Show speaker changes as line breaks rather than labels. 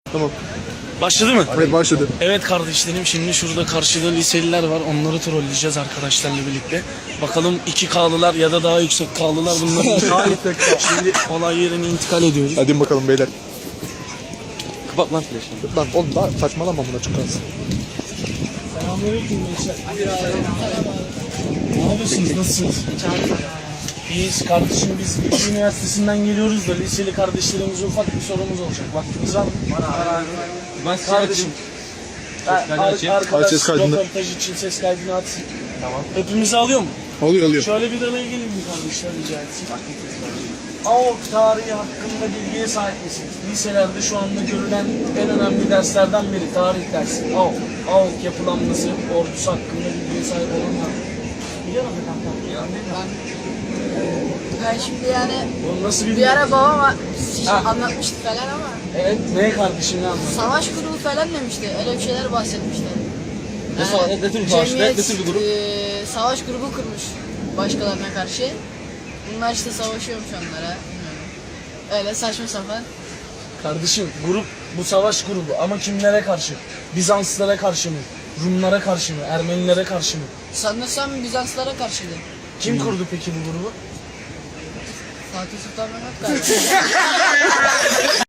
Tamam.
Başladı mı?
Evet başladı.
Evet kardeşlerim, şimdi şurada karşıda liseliler var. Onları trolleyeceğiz arkadaşlarla birlikte. Bakalım 2K'lılar ya da daha yüksek K'lılar bunları şimdi olay yerine intikal ediyoruz.
Hadi bakalım beyler.
Kapat lan flaşını.
Lan oğlum daha saçmalama buna çok az.
Selamünaleyküm gençler. Ne yapıyorsunuz? Nasılsınız? İyiyiz kardeşim, biz Bilgi Üniversitesi'nden geliyoruz da liseli kardeşlerimize ufak bir sorumuz olacak. Vaktiniz var mı?
Ben
Kardeşim. Arkadaş
Ses kaydını.
röportaj için ses kaydını atsın. Tamam. Hepimizi alıyor mu?
Alıyor.
Şöyle bir araya gelin mi kardeşler, rica etsin. AOK tarihi hakkında bilgiye sahip misiniz? Liselerde şu anda görülen en önemli derslerden biri tarih dersi. AOK. AOK yapılanması, ordusu hakkında bilgiye sahip olanlar. Biliyor musun kanka?
Ben şimdi yani
Oğlum nasıl
bir
bilmiyorum.
ara babam
Ha.
anlatmıştı falan ama
Evet, ne kardeşim, ne anladın?
savaş grubu falan demişti. Öyle bir şeyler bahsetmişler.
Ne tür bir savaş? Ne tür bir grup?
Savaş grubu kurmuş başkalarına karşı. Bunlar işte savaşıyormuş onlara. Bilmiyorum. Öyle saçma sapan.
Kardeşim, grup bu savaş grubu ama kimlere karşı? Bizanslara karşı mı? Rumlara karşı mı? Ermenilere karşı mı?
Sanırsam Bizanslara karşıydı.
Kim kurdu peki bu grubu?
Fatih Sultan Mehmet galiba.